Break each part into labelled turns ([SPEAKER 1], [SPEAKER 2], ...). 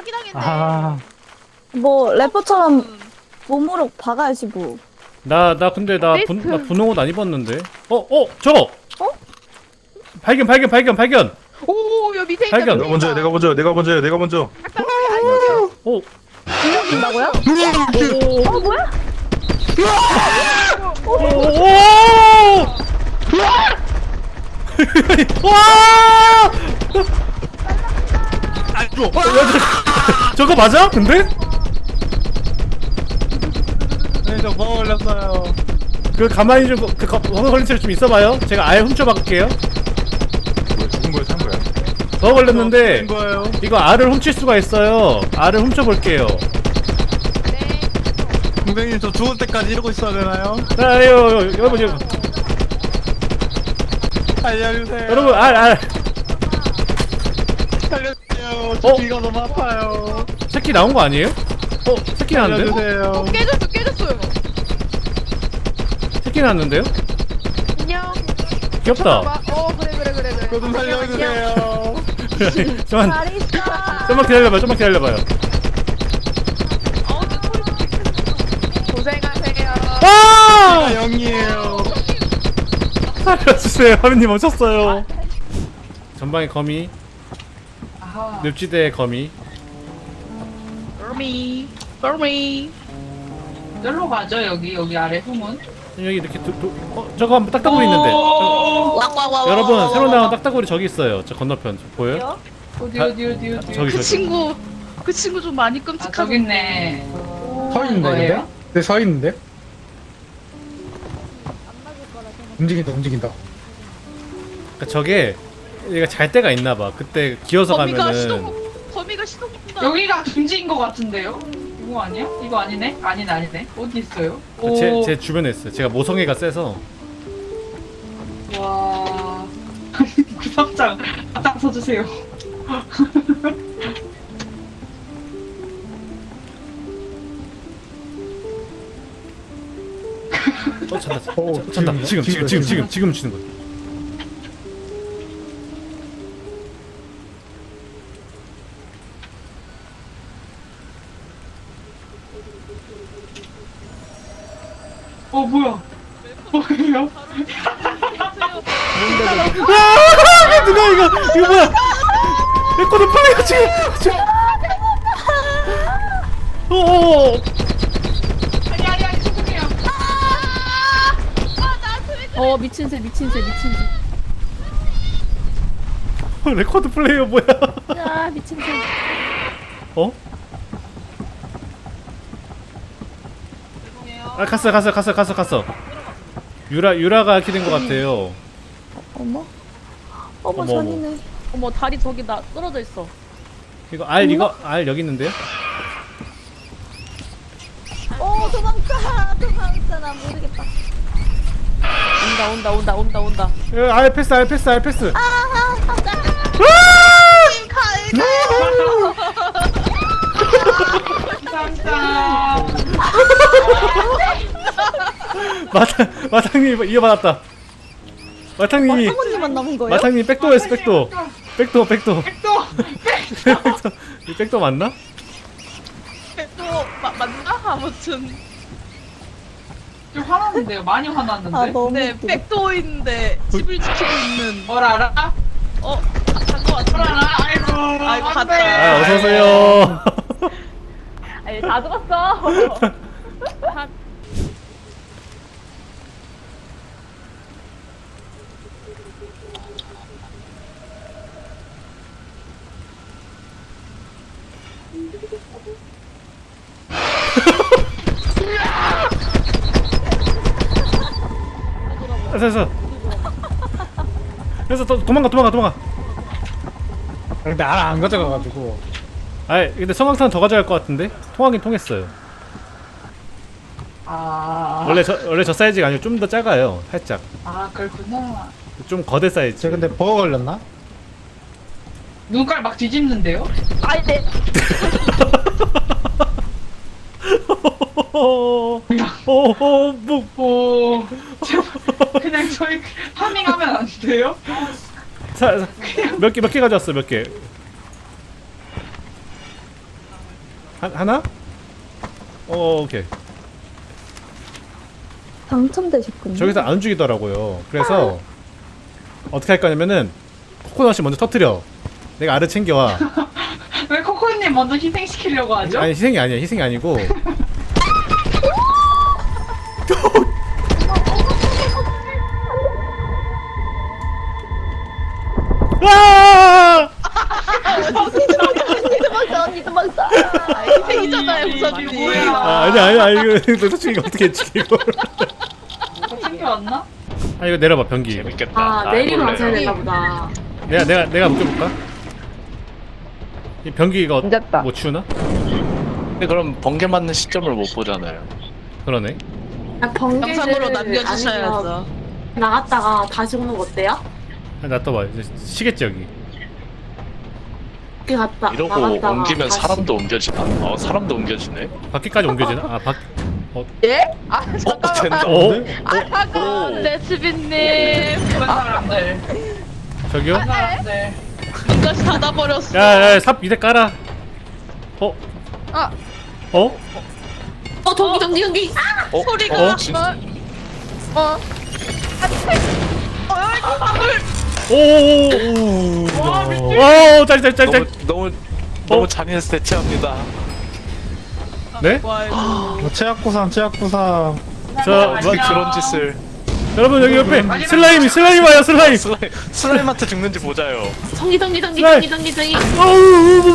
[SPEAKER 1] 사기당했네.
[SPEAKER 2] 아,
[SPEAKER 3] 뭐 래퍼처럼 몸으로 박아야지 뭐.
[SPEAKER 2] 나 근데 나 분홍 옷 안 입었는데. 저거.
[SPEAKER 3] 어?
[SPEAKER 2] 발견.
[SPEAKER 1] 오, 여 밑에 있다.
[SPEAKER 2] 발견.
[SPEAKER 1] 밑에
[SPEAKER 4] 내가
[SPEAKER 1] 있다.
[SPEAKER 4] 먼저요. 내가 먼저.
[SPEAKER 2] 오,
[SPEAKER 3] 된다고요? 뭐야?
[SPEAKER 2] 오. 와! 저거 맞아? 근데?
[SPEAKER 4] 네, 저 버거 걸렸어요.
[SPEAKER 2] 그 가만히 좀 버거 걸린 채로 좀 있어봐요. 제가 아예 훔쳐박을게요.
[SPEAKER 4] 뭐야, 죽은 거야, 산 거야?
[SPEAKER 2] 버거 걸렸는데
[SPEAKER 4] 죽은 거예요.
[SPEAKER 2] 이거 알을 훔칠 수가 있어요. 알을 훔쳐볼게요.
[SPEAKER 1] 네.
[SPEAKER 4] 선생님, 저 죽을 때까지 이러고 있어야 되나요?
[SPEAKER 2] 아유, 여러분,
[SPEAKER 4] 알려주세요.
[SPEAKER 2] 여러분, 알.
[SPEAKER 4] 살려주세요. 저 귀가 너무 아파요.
[SPEAKER 2] 새끼 나온 거 아니에요? 새끼 났는데?
[SPEAKER 4] 살려주세요.
[SPEAKER 1] 깨졌어요.
[SPEAKER 2] 새끼 났는데요?
[SPEAKER 1] 안녕.
[SPEAKER 2] 귀엽다.
[SPEAKER 1] 쳐다봐. 그래.
[SPEAKER 4] 저 좀 살려주세요.
[SPEAKER 2] 좀만
[SPEAKER 3] 잘 있어.
[SPEAKER 2] 좀만 기다려봐요.
[SPEAKER 1] 내 소리 고생하세요.
[SPEAKER 2] 아!
[SPEAKER 4] 영이에요.
[SPEAKER 2] 살려주세요. 하민님 멈췄어요. 전방에 거미. 늪지대의 거미.
[SPEAKER 1] 벌미.
[SPEAKER 5] 여기로 가죠. 여기 아래 후문.
[SPEAKER 2] 여기 이렇게 저거 한번 딱따구리 있는데. 여러분 새로 나온 딱따구리 저기 있어요. 저 건너편 보여요?
[SPEAKER 5] 어디.
[SPEAKER 2] 저기.
[SPEAKER 1] 그 친구 좀 많이
[SPEAKER 5] 아
[SPEAKER 1] 끔찍하고.
[SPEAKER 5] 저기 있네.
[SPEAKER 6] 서 있는데
[SPEAKER 5] 거예요?
[SPEAKER 6] 근데? 네, 서 있는데? 움직인다.
[SPEAKER 2] 그러니까 저게 얘가 잘 때가 있나봐. 그때 기어서 가면은.
[SPEAKER 1] 거미가 시동 건다.
[SPEAKER 5] 여기가 둥지인 것 같은데요? 이거 아니야? 이거 아니네? 아니네. 어디 있어요?
[SPEAKER 2] 제 주변에 있어요. 제가 모성애가 세서.
[SPEAKER 5] 와. 구석장 앞장서주세요.
[SPEAKER 2] 찬다.
[SPEAKER 6] 오,
[SPEAKER 2] 찬다. 지금 치는 거야.
[SPEAKER 5] 뭐야? 뭐예요?
[SPEAKER 2] 누가 이거 뭐야? 내 거는 플레이가 지금.
[SPEAKER 5] 아니 죄송해요.
[SPEAKER 3] 미친새.
[SPEAKER 2] 레코드 플레이어 뭐야?
[SPEAKER 3] 야, 미친새.
[SPEAKER 2] 어? 아 갔어. 유라가 이렇게 된 것 같아요.
[SPEAKER 3] 어머
[SPEAKER 2] 어머.
[SPEAKER 3] 잔인해.
[SPEAKER 7] 어머 다리 저기 나 떨어져 있어.
[SPEAKER 2] 이거 알 여기 있는데요?
[SPEAKER 3] 도망가. 나 모르겠다.
[SPEAKER 7] 온다.
[SPEAKER 2] 알 패스.
[SPEAKER 5] 감사합니다.
[SPEAKER 2] 마탕님 이어받았다. 마탕님이
[SPEAKER 3] 사모님만 남은 거예요?
[SPEAKER 2] 마탕님 백도했어. 백도. 이 백도 맞나?
[SPEAKER 1] 또 맞나? 아무튼.
[SPEAKER 5] 좀 화났는데요. 많이 화났는데.
[SPEAKER 3] 너무
[SPEAKER 1] 네,
[SPEAKER 3] 웃기다.
[SPEAKER 1] 백도어인데 집을 지키고 있는.
[SPEAKER 5] 뭘 알아?
[SPEAKER 1] 간거 같은데.
[SPEAKER 5] 아이고.
[SPEAKER 1] 아이고,
[SPEAKER 5] 안
[SPEAKER 1] 갔다.
[SPEAKER 5] 돼.
[SPEAKER 2] 어서 오세요.
[SPEAKER 7] 아니 다 죽었어.
[SPEAKER 2] 그래서 도망가.
[SPEAKER 6] 근데 알 안 가져가가지고.
[SPEAKER 2] 근데 성광탄 더 가져갈 것 같은데? 통하긴 통했어요. 원래 저 사이즈가 아니고 좀 더 작아요. 살짝.
[SPEAKER 5] 그렇구나.
[SPEAKER 2] 좀 거대 사이즈.
[SPEAKER 6] 쟤 근데 버거 걸렸나?
[SPEAKER 5] 눈깔 막 뒤집는데요?
[SPEAKER 7] 아니 내
[SPEAKER 5] 그냥 저희 파밍하면 안 돼요?
[SPEAKER 2] 몇 개 가져왔어, 몇 개. 하나? 오케이.
[SPEAKER 3] 당첨되셨군요.
[SPEAKER 2] 저기서 안 움직이더라고요. 그래서 어떻게 할 거냐면은 코코넛이 먼저 터뜨려. 내가 알을 챙겨와.
[SPEAKER 5] 왜 코코님 먼저 희생시키려고 하죠?
[SPEAKER 2] 아니 희생이 아니야. 희생이 아니고. 아!
[SPEAKER 3] 도망쳐 언니 도망쳐.
[SPEAKER 1] 희생이잖아요,
[SPEAKER 5] 이게
[SPEAKER 1] 우선님.
[SPEAKER 5] 뭐야?
[SPEAKER 2] 아니야 이거 솔직히 이거 어떻게 했지 이거.
[SPEAKER 5] 뭐 챙겨왔나?
[SPEAKER 2] 아 이거 내려봐 변기.
[SPEAKER 8] 재밌겠다.
[SPEAKER 7] 아 내리고
[SPEAKER 8] 해볼래요.
[SPEAKER 7] 가셔야 되나 보다.
[SPEAKER 2] 내가 묶여볼까? 이 변기 이거
[SPEAKER 7] 앉았다.
[SPEAKER 2] 못 치우나?
[SPEAKER 8] 근데 그럼 번개 맞는 시점을 못 보잖아요.
[SPEAKER 2] 그러네.
[SPEAKER 1] 영상으로 남겨주셔야죠.
[SPEAKER 7] 나갔다가 다시 오는 거 어때요?
[SPEAKER 2] 아, 놔둬봐. 이제 시겠지 여기.
[SPEAKER 7] 이렇게 갔다
[SPEAKER 8] 이러고
[SPEAKER 7] 나갔다가
[SPEAKER 8] 옮기면
[SPEAKER 7] 다시.
[SPEAKER 8] 사람도 옮겨지나? 사람도 옮겨지네.
[SPEAKER 2] 밖에까지 옮겨지나? 아 밖.
[SPEAKER 1] 예? 아,
[SPEAKER 8] 된다.
[SPEAKER 2] 어?
[SPEAKER 1] 아, 레츠비님.
[SPEAKER 5] 그런 사람들.
[SPEAKER 2] 저기요?
[SPEAKER 5] 그런 사람들.
[SPEAKER 1] 문까지 닫아버렸어.
[SPEAKER 2] 야야 삽 이대 깔아. 어?
[SPEAKER 1] 아.
[SPEAKER 2] 어?
[SPEAKER 7] 전기.
[SPEAKER 1] 소리가.
[SPEAKER 8] 진짜?
[SPEAKER 2] 오오오오. 오 짤짤짤짤.
[SPEAKER 8] 너무 잔인해서 대체합니다.
[SPEAKER 2] 네?
[SPEAKER 1] 와이고.
[SPEAKER 6] 최악구상
[SPEAKER 2] 저
[SPEAKER 8] 어떻게 그런 짓을?
[SPEAKER 2] 여러분 여기 옆에 슬라임 와요 슬라임.
[SPEAKER 8] 슬라임한테 죽는지 보자요.
[SPEAKER 7] 전기.
[SPEAKER 2] 어우.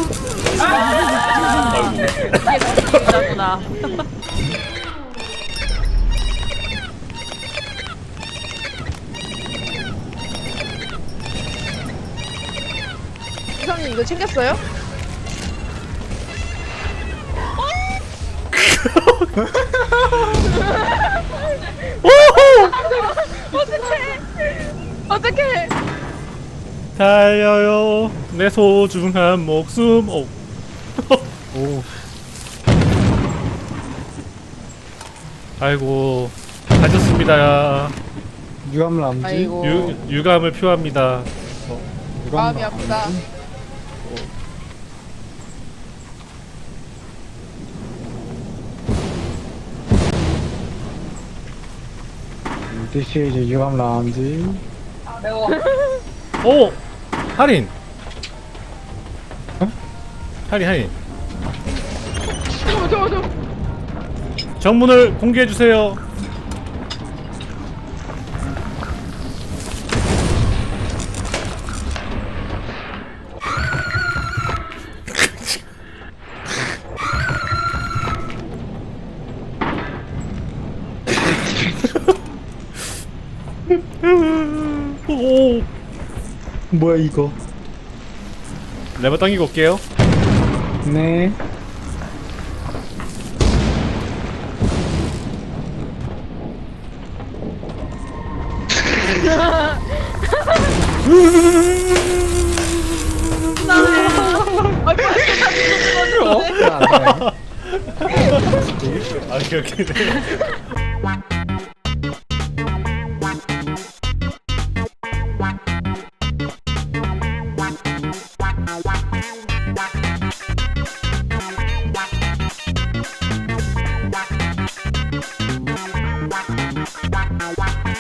[SPEAKER 1] 진짜구나. 이사님 이거 챙겼어요? 어떡해!
[SPEAKER 2] 달려요 내 소중한 목숨. 오.
[SPEAKER 6] 오
[SPEAKER 2] 아이고 가졌습니다.
[SPEAKER 6] 유감람지.
[SPEAKER 1] 아이고
[SPEAKER 2] 유감을 표합니다.
[SPEAKER 1] 마음이 아프다.
[SPEAKER 6] DC 이제 유감람지.
[SPEAKER 5] 아, 매워.
[SPEAKER 2] 오 할인. 할인. 정문을 공개해 주세요. 오.
[SPEAKER 6] 뭐야 이거?
[SPEAKER 2] 레버 당기고 올게요.
[SPEAKER 6] 네.
[SPEAKER 2] 아, 오케이.